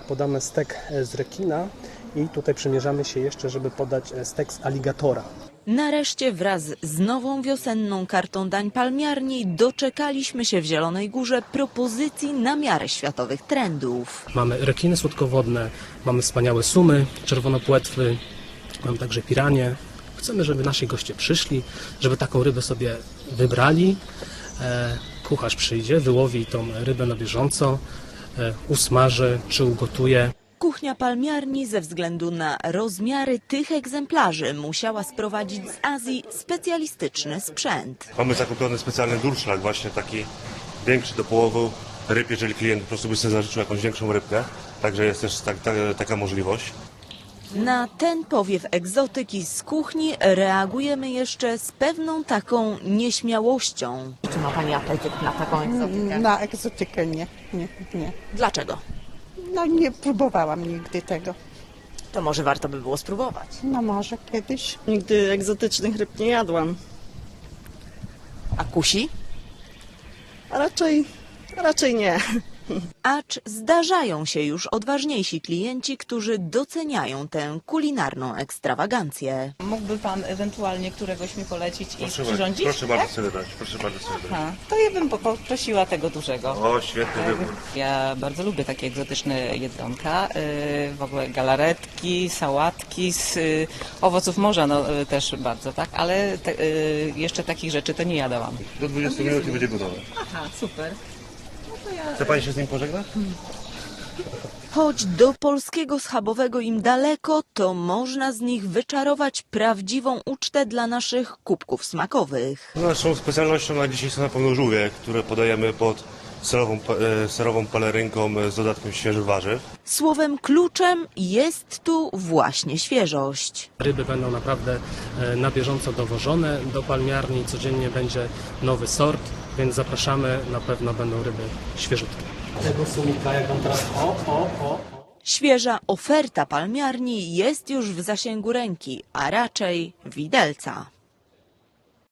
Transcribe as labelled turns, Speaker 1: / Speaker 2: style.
Speaker 1: Podamy stek z rekina i tutaj przymierzamy się jeszcze, żeby podać stek z aligatora.
Speaker 2: Nareszcie wraz z nową wiosenną kartą dań palmiarni doczekaliśmy się w Zielonej Górze propozycji na miarę światowych trendów.
Speaker 1: Mamy rekiny słodkowodne, mamy wspaniałe sumy, czerwonopłetwy, mamy także piranie. Chcemy, żeby nasi goście przyszli, żeby taką rybę sobie wybrali. Kucharz przyjdzie, wyłowi tą rybę na bieżąco, usmaży czy ugotuje.
Speaker 2: Kuchnia palmiarni ze względu na rozmiary tych egzemplarzy musiała sprowadzić z Azji specjalistyczny sprzęt.
Speaker 3: Mamy zakupiony specjalny durszlak, właśnie taki większy do połowu ryb, jeżeli klient po prostu by sobie zażyczył jakąś większą rybkę. Także jest też taka możliwość.
Speaker 2: Na ten powiew egzotyki z kuchni reagujemy jeszcze z pewną taką nieśmiałością. Czy ma Pani apetyt na taką egzotykę?
Speaker 4: Na egzotykę nie.
Speaker 2: Dlaczego?
Speaker 4: No nie próbowałam nigdy tego.
Speaker 2: To może warto by było spróbować.
Speaker 4: No może kiedyś.
Speaker 5: Nigdy egzotycznych ryb nie jadłam.
Speaker 2: A kusi?
Speaker 5: Raczej nie.
Speaker 2: Acz zdarzają się już odważniejsi klienci, którzy doceniają tę kulinarną ekstrawagancję.
Speaker 6: Mógłby Pan ewentualnie któregoś mi polecić i przyrządzić?
Speaker 3: Proszę bardzo sobie dać, proszę bardzo sobie dać.
Speaker 6: Aha, to ja bym poprosiła tego dużego.
Speaker 3: O, świetny wybór.
Speaker 6: Ja bardzo lubię takie egzotyczne jedzonka, w ogóle galaretki, sałatki z owoców morza, no też bardzo, tak? Ale jeszcze takich rzeczy to nie jadałam.
Speaker 3: Do 20 minut i będzie gotowe.
Speaker 6: Aha, super.
Speaker 3: Chce Pani się z nim pożegnać?
Speaker 2: Choć do polskiego schabowego im daleko, to można z nich wyczarować prawdziwą ucztę dla naszych kubków smakowych.
Speaker 3: Naszą specjalnością na dzisiaj są na pewno żółwie, które podajemy pod serową pelerynką z dodatkiem świeżych warzyw.
Speaker 2: Słowem kluczem jest tu właśnie świeżość.
Speaker 1: Ryby będą naprawdę na bieżąco dowożone do palmiarni, codziennie będzie nowy sort, więc zapraszamy, na pewno będą ryby świeżutkie. Tego sumika, jak on teraz
Speaker 2: Świeża oferta palmiarni jest już w zasięgu ręki, a raczej widelca.